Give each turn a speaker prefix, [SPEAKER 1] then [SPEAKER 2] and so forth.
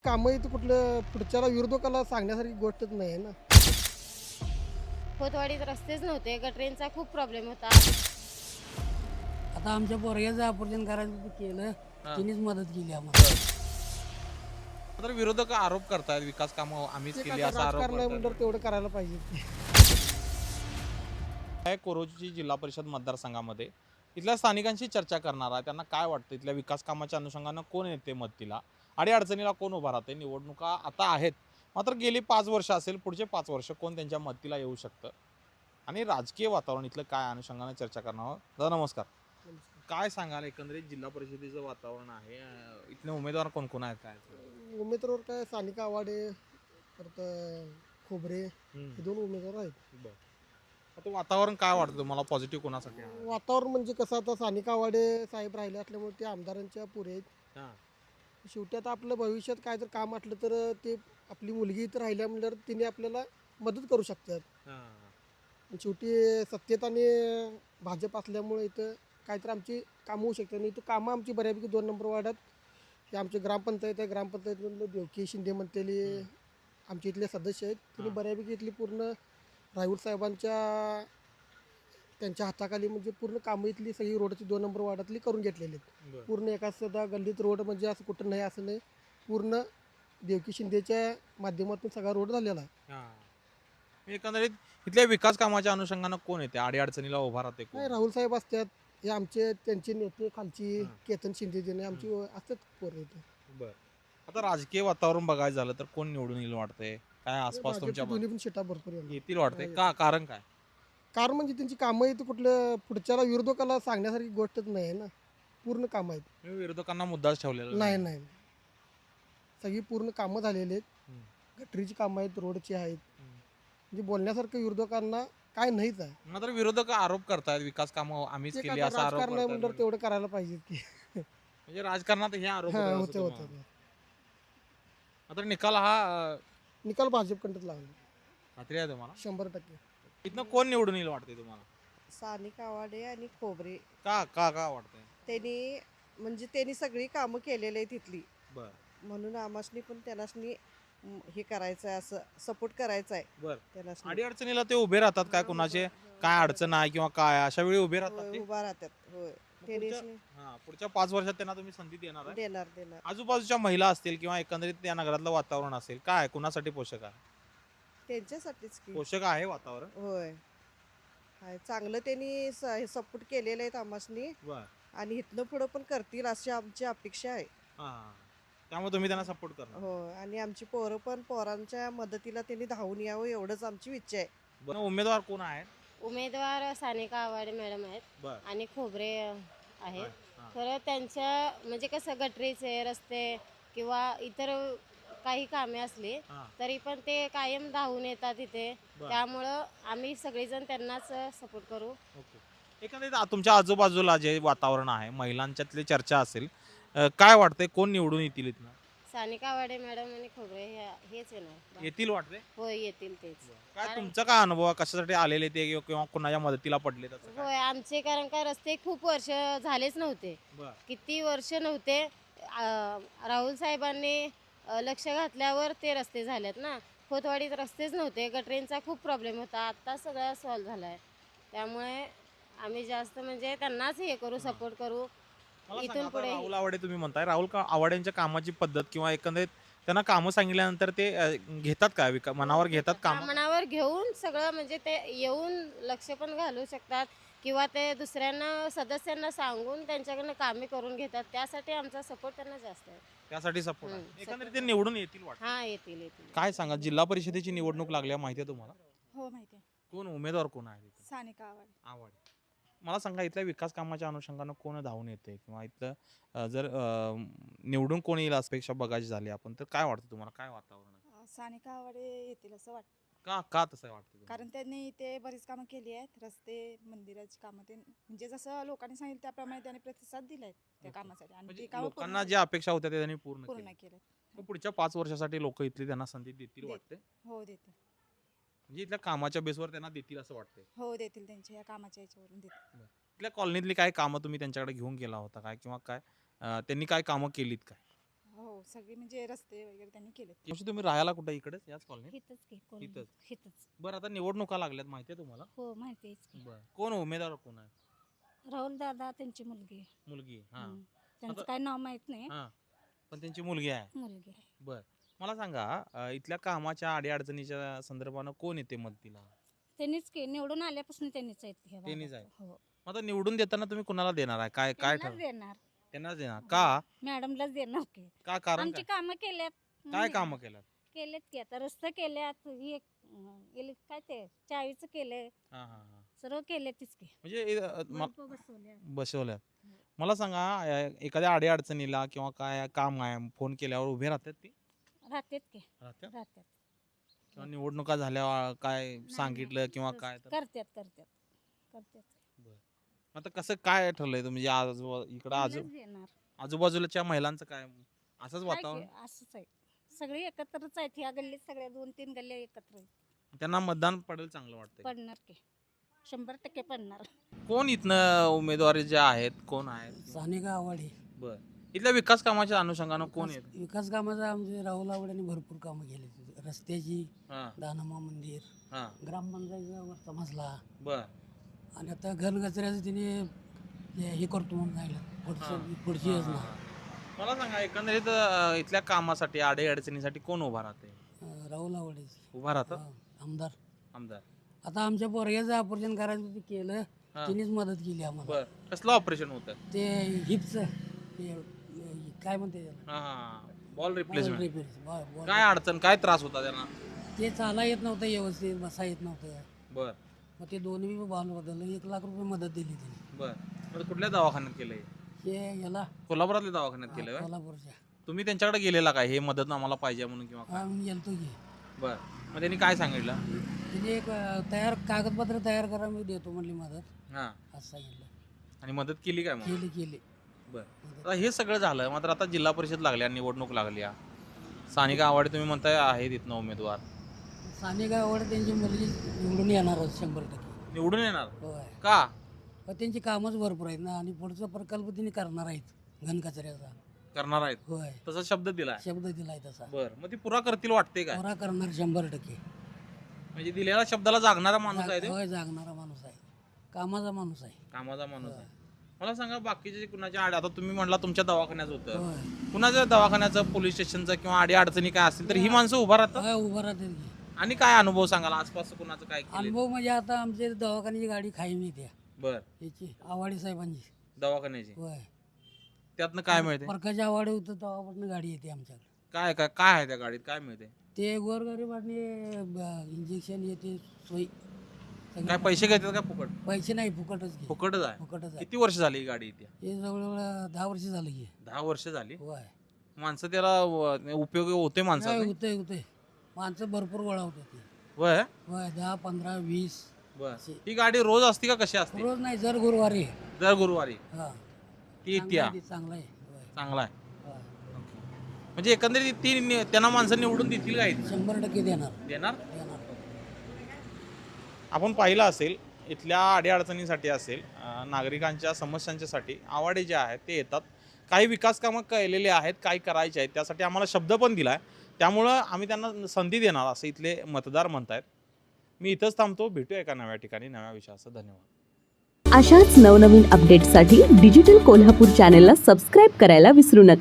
[SPEAKER 1] कामं इथं कुठलं पुढच्याला विरोधकाला सांगण्यासारखी गोष्टच नाही आहे ना.
[SPEAKER 2] खोतवाडीत रस्तेच नव्हते, गटरींचा खूप प्रॉब्लेम होता.
[SPEAKER 3] आता आमच्या पोरग्याचं ऑपरेशन करायचं केलं,
[SPEAKER 4] हां.
[SPEAKER 3] तिनेच मदत केली आम्हाला.
[SPEAKER 4] तर विरोधक आरोप करतायत विकास कामं आम्हीच
[SPEAKER 1] ते
[SPEAKER 4] केली
[SPEAKER 1] कसं
[SPEAKER 4] असा आरोप
[SPEAKER 1] राजकारण आहे
[SPEAKER 4] करतायत.
[SPEAKER 1] म्हणल्यावर तेवढं करायला पाहिजे.
[SPEAKER 4] आहे कोरोची जिल्हा परिषद मतदारसंघामध्ये इथल्या स्थानिकांशी चर्चा करणार आहे. त्यांना काय वाटतं इथल्या विकास कामाच्या अनुषंगानं कोण येते मदतीला आणि अडचणीला कोण उभा राहते. निवडणुका आता आहेत, मात्र गेली 5 वर्ष असेल, पुढचे 5 वर्ष कोण त्यांच्या मदतीला येऊ शकतं आणि राजकीय वातावरण इथलं काय अनुषंगानं चर्चा करणार आहोत. दादा नमस्कार. काय सांगाल एकंदरीत जिल्हा परिषदेचं वातावरण आहे, इथले उमेदवार कोण कोण आहेत काय?
[SPEAKER 1] उमेदवार काय सानिका आवाडे परत खोबरे हे दोन उमेदवार आहेत.
[SPEAKER 4] बरं. आता वातावरण काय वाटतं तुम्हाला, पॉझिटिव्ह कोणासाठी आहे?
[SPEAKER 1] वातावरण म्हणजे कसं आता सानिका आवाडे साहेब राहिले असल्यामुळे ते आमदारांच्या पुढे आहेत.
[SPEAKER 4] हां.
[SPEAKER 1] शेवटी आता आपलं भविष्यात काय जर काम असलं तर ते आपली मुलगी इथं राहिल्या म्हणल्यावर तिने आपल्याला मदत करू शकतात.
[SPEAKER 4] हां.
[SPEAKER 1] आणि शेवटी सत्तेत आणि भाजप असल्यामुळे इथं काहीतरी आमची कामं होऊ शकतात. आणि इथं कामं आमची बऱ्यापैकी 2 नंबर वार्डात हे आमची ग्रामपंचायत आहे. ग्रामपंचायतमधलं देवकी शिंदे म्हणतेली आमचे इथले सदस्य आहेत. तिने
[SPEAKER 4] हां.
[SPEAKER 1] बऱ्यापैकी इथली पूर्ण राहुल साहेबांच्या त्यांच्या हाताखाली म्हणजे पूर्ण कामं इथली सगळी रोडची 2 नंबर वार्डातली करून घेतलेली आहेत.
[SPEAKER 4] बरं.
[SPEAKER 1] पूर्ण एका सुद्धा गल्लीत रोड म्हणजे असं कुठं नाही असं नाही. पूर्ण देवकी शिंदेच्या माध्यमातून सगळा रोड झालेला आहे.
[SPEAKER 4] हां. एकंदरीत इथल्या विकास कामाच्या अनुषंगानं कोण येते, अडीअडचणीला उभा राहते
[SPEAKER 1] नाही
[SPEAKER 4] कोण?
[SPEAKER 1] राहुल साहेब असतात. हे आमचे त्यांचे नेते खालची
[SPEAKER 4] हां.
[SPEAKER 1] केतन शिंदे देणे आमची असतात पोरं इथे.
[SPEAKER 4] बरं. आता राजकीय वातावरण बघायचं झालं तर कोण निवडून येईल वाटतंय? काय आसपास
[SPEAKER 1] भाजपची
[SPEAKER 4] तुमच्या
[SPEAKER 1] दोन्ही पण सीटा भरपूर येणार.
[SPEAKER 4] येतील वाटतंय का? कारण काय?
[SPEAKER 1] कारण म्हणजे त्यांची कामं इथं कुठलं पुढच्याला विरोधकाला सांगण्यासारखी गोष्टच नाही आहे ना. पूर्ण कामं आहेत.
[SPEAKER 4] मी विरोधकांना मुद्दाच ठेवलेला
[SPEAKER 1] नाही नाही सगळी पूर्ण कामं झालेली आहेत.
[SPEAKER 4] हम्म.
[SPEAKER 1] गटरीची कामं आहेत, रोडची आहेत.
[SPEAKER 4] हम्म.
[SPEAKER 1] म्हणजे बोलण्यासारखं विरोधकांना काय नाहीच आहे.
[SPEAKER 4] मात्र विरोधक आरोप करतायत विकास कामं आम्हीच
[SPEAKER 1] ते
[SPEAKER 4] केली
[SPEAKER 1] कसं
[SPEAKER 4] असा आरोप
[SPEAKER 1] राजकारण आहे
[SPEAKER 4] करतायत.
[SPEAKER 1] म्हणल्यावर तेवढं करायला पाहिजे की.
[SPEAKER 4] म्हणजे राजकारणात हे आरोप
[SPEAKER 1] हां
[SPEAKER 4] होतात असं
[SPEAKER 1] होते
[SPEAKER 4] तुम्हाला.
[SPEAKER 1] होते.
[SPEAKER 4] मात्र निकाल हा
[SPEAKER 1] निकाल भाजपकडंच लागला
[SPEAKER 4] खात्री आहे तुम्हाला?
[SPEAKER 1] 100%.
[SPEAKER 4] इथनं कोण निवडून येईल वाटते तुम्हाला?
[SPEAKER 5] सानिका आवाडे आणि खोबरे
[SPEAKER 4] का का का वाटतंय?
[SPEAKER 5] त्यांनी सगळी कामं केलेली आहे तिथली,
[SPEAKER 4] बरं.
[SPEAKER 5] म्हणून आमासनी पण त्यांनासनी हे करायचं आहे, असं सपोर्ट करायचा आहे
[SPEAKER 4] बरं.
[SPEAKER 5] त्यांनासनी.
[SPEAKER 4] अडीअडचणीला ते उभे राहतात काय, कुणाचे काय अडचण आहे किंवा काय अशा वेळी उभे राहतात
[SPEAKER 5] होय,
[SPEAKER 4] ते?
[SPEAKER 5] उभा राहतात. होय त्यांनी
[SPEAKER 4] पुढच्या 5 वर्षात त्यांना तुम्ही संधी देणार आहे?
[SPEAKER 5] देणार.
[SPEAKER 4] आजूबाजूच्या महिला असतील किंवा एकंदरीत त्या नगरातलं वातावरण असेल, काय कुणासाठी पोषक आहे?
[SPEAKER 5] त्यांच्यासाठीच की.
[SPEAKER 4] पोषक आहे वातावरण.
[SPEAKER 5] होय हाय चांगलं त्यांनी सपोर्ट केलेलं आहे आमासनी,
[SPEAKER 4] बर.
[SPEAKER 5] आणि इथनं पुढं पण करतील अशी आमची अपेक्षा आहे.
[SPEAKER 4] हा, त्यामुळे तुम्ही त्यांना सपोर्ट करणार.
[SPEAKER 5] हो, आणि आमची पोरं पण पोरांच्या मदतीला त्यांनी धावून यावं एवढंच आमची इच्छा आहे.
[SPEAKER 4] बरं, उमेदवार कोण आहेत?
[SPEAKER 2] उमेदवार सानिका आवाडे मॅडम आहेत
[SPEAKER 4] बर.
[SPEAKER 2] आणि खोबरे आहेत.
[SPEAKER 4] हां.
[SPEAKER 2] खरं त्यांच्या म्हणजे कसं गटरीचे रस्ते किंवा इतर काही कामे असली
[SPEAKER 4] हां.
[SPEAKER 2] तरी पण ते कायम धावून येतात इथे.
[SPEAKER 4] बरं.
[SPEAKER 2] त्यामुळं आम्ही सगळेजण त्यांनाच सपोर्ट करू.
[SPEAKER 4] ओके. एकंदरीत तुमच्या आजूबाजूला जे वातावरण आहे, महिलांच्यातली चर्चा असेल, काय वाटतंय कोण निवडून येतील इथनं?
[SPEAKER 2] सानिका आवाडे मॅडम आणि खोबरे हेच येणार.
[SPEAKER 4] येतील वाटते?
[SPEAKER 2] होय येतील तेच.
[SPEAKER 4] काय
[SPEAKER 2] कारण-
[SPEAKER 4] तुमचा काय अनुभव आहे? कशासाठी आलेले ते किंवा कुणाच्या मदतीला पडले त्याचं काय?
[SPEAKER 2] होय आमचे कारण का रस्ते खूप वर्ष झालेच नव्हते.
[SPEAKER 4] बरं.
[SPEAKER 2] किती वर्ष नव्हते. राहुल साहेबांनी लक्ष घातल्यावर ते रस्ते झालेत ना. खोतवाडीत रस्तेच नव्हते, गटरींचा खूप प्रॉब्लेम होता. आत्ता सगळा सॉल्व्ह झाला आहे. त्यामुळे आम्ही जास्त म्हणजे त्यांनाच हे करू, सपोर्ट करू.
[SPEAKER 4] मला सांगा,
[SPEAKER 2] इथून
[SPEAKER 4] आता
[SPEAKER 2] पुढे
[SPEAKER 4] राहुल आवाडे तुम्ही म्हणताय, राहुल आवाडेंच्या कामाची पद्धत किंवा एकंदरीत त्यांना कामं सांगितल्यानंतर ते घेतात काय, मनावर घेतात काम?
[SPEAKER 2] मनावर घेऊन सगळं म्हणजे ते येऊन लक्ष पण घालू शकतात किंवा ते दुसऱ्यांना सदस्यांना सांगून त्यांच्याकडनं कामे करून घेतात. त्यासाठी आमचा सपोर्ट त्यांना जास्त आहे.
[SPEAKER 4] त्यासाठी सपोर्ट आहे.
[SPEAKER 2] हम्म,
[SPEAKER 4] एकंदरीत
[SPEAKER 2] support
[SPEAKER 4] ते निवडून येतील वाटतं.
[SPEAKER 2] हां येतील.
[SPEAKER 4] काय सांगा, जिल्हा परिषदेची निवडणूक लागल्या माहिती आहे तुम्हाला?
[SPEAKER 6] हो माहिती आहे.
[SPEAKER 4] कोण उमेदवार कोण आहे तिथे?
[SPEAKER 6] सानिका आवाडे.
[SPEAKER 4] आवाडे. मला सांगा, इथल्या विकास कामाच्या अनुषंगानं कोण धावून येते किंवा इथलं जर निवडून कोण येईल अपेक्षा बघायची झाली आपण तर काय वाटतं तुम्हाला, काय वातावरण आहे?
[SPEAKER 6] सानिका आवाडे येतील असं वाटतं,
[SPEAKER 4] का तसं वाटतं तुम्हाला?
[SPEAKER 6] कारण त्यांनी इथे बरीच कामं केली आहेत. रस्ते, मंदिराची कामं, ते म्हणजे जसं लोकांनी सांगितलं त्याप्रमाणे त्यांनी प्रतिसाद दिलाय त्या
[SPEAKER 4] ओके.
[SPEAKER 6] कामासाठी, आणि
[SPEAKER 4] म्हणजे
[SPEAKER 6] ते कामं
[SPEAKER 4] लोकांना ज्या अपेक्षा होत्या त्या त्यांनी पूर्ण
[SPEAKER 6] पूर्ण
[SPEAKER 4] केल्या.
[SPEAKER 6] केलं.
[SPEAKER 4] मग पुढच्या 5 वर्षासाठी लोक इथली त्यांना संधी देतील वाटते?
[SPEAKER 6] हो देतील.
[SPEAKER 4] म्हणजे इथल्या कामाच्या बेसवर त्यांना देतील असं वाटतंय?
[SPEAKER 6] हो देतील, त्यांच्या या कामाच्या याच्यावरून देतील.
[SPEAKER 4] इथल्या कॉलनीतली काय कामं तुम्ही त्यांच्याकडे घेऊन गेला होता काय किंवा काय त्यांनी काय कामं केलीत काय?
[SPEAKER 6] हो सगळे म्हणजे रस्ते वगैरे त्यांनी केले.
[SPEAKER 4] म्हणजे तुम्ही राहायला कुठे इकडेच याच कॉलनीत?
[SPEAKER 7] हितच की कोण
[SPEAKER 4] हितच.
[SPEAKER 7] हितच.
[SPEAKER 4] बरं आता निवडणुका लागल्यात माहिती आहे तुम्हाला?
[SPEAKER 7] हो माहिती आहेच की.
[SPEAKER 4] बरं कोण उमेदवार कोण आहे?
[SPEAKER 7] राहुल दादा त्यांची मुलगी.
[SPEAKER 4] मुलगी हा
[SPEAKER 7] त्यांचं
[SPEAKER 4] आता-
[SPEAKER 7] काय नाव माहित नाही.
[SPEAKER 4] हा पण त्यांची मुलगी आहे.
[SPEAKER 7] मुलगी आहे.
[SPEAKER 4] बर मला सांगा इथल्या कामाच्या अडीअडचणीच्या संदर्भानं कोण येते मदतीला?
[SPEAKER 7] त्यांनीच की निवडून आल्यापासून त्यांनीच आहेत ह्या
[SPEAKER 4] त्यांनीच
[SPEAKER 7] भागात.
[SPEAKER 4] आहे.
[SPEAKER 7] हो
[SPEAKER 4] मग आता निवडून देताना तुम्ही कुणाला देणार आहे? काय काय
[SPEAKER 7] त्यांनाच
[SPEAKER 4] ठरव
[SPEAKER 7] देणार.
[SPEAKER 4] त्यांनाच देणार का?
[SPEAKER 7] मॅडमलाच देणार की.
[SPEAKER 4] का कारण
[SPEAKER 7] आमची
[SPEAKER 4] काय?
[SPEAKER 7] कामं केल्यात.
[SPEAKER 4] काय
[SPEAKER 7] म्हणून
[SPEAKER 4] कामं केल्यात?
[SPEAKER 7] केलेत की आता रस्ते केल्यात काय ते चावीचं केलंय
[SPEAKER 4] हा हा हा
[SPEAKER 7] सर्व केलेतच की.
[SPEAKER 4] म्हणजे
[SPEAKER 7] बल्ब बसवल्या.
[SPEAKER 4] बसवल्या. मला सांगा एखाद्या अडीअडचणीला किंवा काय काम आहे फोन केल्यावर उभे राहतात ती?
[SPEAKER 7] राहतात की
[SPEAKER 4] राहतात
[SPEAKER 7] राहतात.
[SPEAKER 4] किंवा निवडणुका झाल्यावर काय सांगितलं किंवा काय तर
[SPEAKER 7] करतात करतात करतात.
[SPEAKER 4] आता कसं काय ठरलंय तुम्ही इकडं
[SPEAKER 7] त्यांनाच देणार.
[SPEAKER 4] आजूबाजूच्या महिलांचं काय असंच
[SPEAKER 7] आहे
[SPEAKER 4] वातावरण?
[SPEAKER 7] की, असंच आहे. सगळे एकत्रच आहेत ह्या गल्लीत सगळ्या 2-3 गल्ल्या एकत्र आहेत.
[SPEAKER 4] त्यांना मतदान पडेल चांगलं वाटतंय.
[SPEAKER 7] पडणार की 100% पडणार.
[SPEAKER 4] कोण इथनं उमेदवारी जे आहेत कोण आहेत?
[SPEAKER 3] सानिका आवाडे.
[SPEAKER 4] बर इथल्या विकास कामाच्या अनुषंगानं कोण येत?
[SPEAKER 3] विकास कामाचं आमचे राहुल आवाड्याने भरपूर कामं केली. रस्त्याची,
[SPEAKER 4] हा
[SPEAKER 3] दानम्मा मंदिर,
[SPEAKER 4] हा
[SPEAKER 3] ग्रामपंचायतीचा वरचा मजला
[SPEAKER 4] बर
[SPEAKER 3] आणि आता घनकचऱ्याचं तिने हे करतो म्हणून
[SPEAKER 4] हा.
[SPEAKER 3] सांगितलं. पुढची
[SPEAKER 4] हा,
[SPEAKER 3] योजना.
[SPEAKER 4] हा. मला सांगा एकंदरीत इथल्या कामासाठी अडीअडचणीसाठी कोण उभा राहते?
[SPEAKER 3] राहुल आवाडेची.
[SPEAKER 4] उभा राहतात
[SPEAKER 3] आमदार.
[SPEAKER 4] आमदार.
[SPEAKER 3] आता आमच्या पोरग्याचं ऑपरेशन करायचं ते केलं.
[SPEAKER 4] हा.
[SPEAKER 3] तिनेच मदत केली आम्हाला.
[SPEAKER 4] बर कसलं ऑपरेशन होतं?
[SPEAKER 3] ते हिपचं काय म्हणते त्याला?
[SPEAKER 4] हा बॉल रिप्लेसमेंट.
[SPEAKER 3] बॉल.
[SPEAKER 4] काय अडचण काय त्रास होता त्यांना?
[SPEAKER 3] ते चाला येत नव्हतं व्यवस्थित, बसा येत नव्हतं.
[SPEAKER 4] बर
[SPEAKER 3] मग ते दोन्ही बॉल बदललं. 1 लाख रुपये मदत दिली त्यांनी.
[SPEAKER 4] बर मग कुठल्या दवाखान्यात केलंय?
[SPEAKER 3] हे याला
[SPEAKER 4] कोल्हापुरातल्या दवाखान्यात केलंय व्हय?
[SPEAKER 3] कोल्हापूरच्या
[SPEAKER 4] तुम्ही त्यांच्याकडे गेलेला काय हे मदत आम्हाला पाहिजे म्हणून किंवा काय?
[SPEAKER 3] आम्ही गेलतो की.
[SPEAKER 4] बर मग त्यांनी काय सांगितलं?
[SPEAKER 3] तिने एक कागदपत्र तयार करा, मी देतो म्हणली मदत,
[SPEAKER 4] हा
[SPEAKER 3] असं सांगितलं.
[SPEAKER 4] आणि मदत केली काय मग?
[SPEAKER 3] केली.
[SPEAKER 4] बर आता हे सगळं झालं मात्र आता जिल्हा परिषद लागल्या निवडणूक लागल्या सानिका आवाडे तुम्ही म्हणताय आहे तिथनं उमेदवार
[SPEAKER 3] सानिका आवाडे त्यांची मुलगी निवडून येणारच 100%.
[SPEAKER 4] निवडून येणार
[SPEAKER 3] होय.
[SPEAKER 4] का?
[SPEAKER 3] पण त्यांची कामच भरपूर आहेत ना आणि पुढचा प्रकल्प तिने करणार आहेत घनकचऱ्याचा.
[SPEAKER 4] करणार आहेत
[SPEAKER 3] होय.
[SPEAKER 4] तसा शब्द दिलाय.
[SPEAKER 3] शब्द दिलाय तसा.
[SPEAKER 4] बर मग ती पुरा करतील वाटते काय?
[SPEAKER 3] पुरा करणार 100%.
[SPEAKER 4] म्हणजे दिलेल्या शब्दाला जागणारा माणूस आहे ते?
[SPEAKER 3] होय, जागणारा माणूस आहे, कामाचा माणूस आहे.
[SPEAKER 4] कामाचा माणूस आहे. मला सांगा बाकीचे कुणाच्या आता तुम्ही म्हणला तुमच्या दवाखान्यात होतं
[SPEAKER 3] होय.
[SPEAKER 4] कुणाच्या दवाखान्याचं पोलीस स्टेशनचं किंवा अडचणी काय असतील तर ही माणसं उभा राहतात.
[SPEAKER 3] होय, उभं राहते की.
[SPEAKER 4] आणि काय अनुभव सांगाल आसपास कुणाचं काय केलं?
[SPEAKER 3] अनुभव म्हणजे आता आमच्या दवाखान्याची गाडी खाई मिळते
[SPEAKER 4] बर
[SPEAKER 3] याची आवाडे साहेबांची.
[SPEAKER 4] दवाखान्याची
[SPEAKER 3] होय.
[SPEAKER 4] त्यातनं काय मिळते?
[SPEAKER 3] प्रकाश आवाडे होतं तेव्हापासून गाडी येते आमच्याकडे.
[SPEAKER 4] काय काय काय आहे त्या गाडीत काय मिळते?
[SPEAKER 3] ते गोरगरिबांनी इंजेक्शन येते सोयी.
[SPEAKER 4] काय पैसे घेतात का फुकट?
[SPEAKER 3] पैसे नाही, फुकटच घे.
[SPEAKER 4] फुकटच आहे.
[SPEAKER 3] फुकटच आहे.
[SPEAKER 4] किती वर्ष झाली ही गाडी इथे?
[SPEAKER 3] हे जवळजवळ 10 वर्ष झालं की.
[SPEAKER 4] 10 वर्ष झाली.
[SPEAKER 3] होय.
[SPEAKER 4] माणसं त्याला उपयोग होते माणसाला?
[SPEAKER 3] होते माणसं भरपूर गोळा होते.
[SPEAKER 4] वय
[SPEAKER 3] होय, 10, 15, 20.
[SPEAKER 4] बर ही गाडी रोज असते का कशी असते?
[SPEAKER 3] रोज नाही, जर गुरुवारी.
[SPEAKER 4] दर गुरुवारी
[SPEAKER 3] हा,
[SPEAKER 4] ती इत्या
[SPEAKER 3] चांगलं आहे. होय.
[SPEAKER 4] चांगला आहे.
[SPEAKER 3] होय.
[SPEAKER 4] म्हणजे एकंदरीत ती त्यांना माणसं निवडून देतील का इथे?
[SPEAKER 3] 100% देणार.
[SPEAKER 4] देणार.
[SPEAKER 3] देणार.
[SPEAKER 4] आपण पाहिलं असेल इथल्या अडीअडचणीसाठी असेल नागरिकांच्या समस्यांच्यासाठी आवाडे जे आहेत ते येतात. काही विकास कामं केलेले आहेत, काही करायचे आहेत, त्यासाठी आम्हाला शब्द पण दिला आहे. त्यामुळं आम्ही त्यांना संधी देणार असं इथले मतदार म्हणतायत. मी इथंच थांबतो. भेटूया एका नव्या ठिकाणी नव्या विषयाचं. धन्यवाद.
[SPEAKER 8] अशाच नवनवीन अपडेट्ससाठी डिजिटल कोल्हापूर चॅनेलला सबस्क्राईब करायला विसरू नका.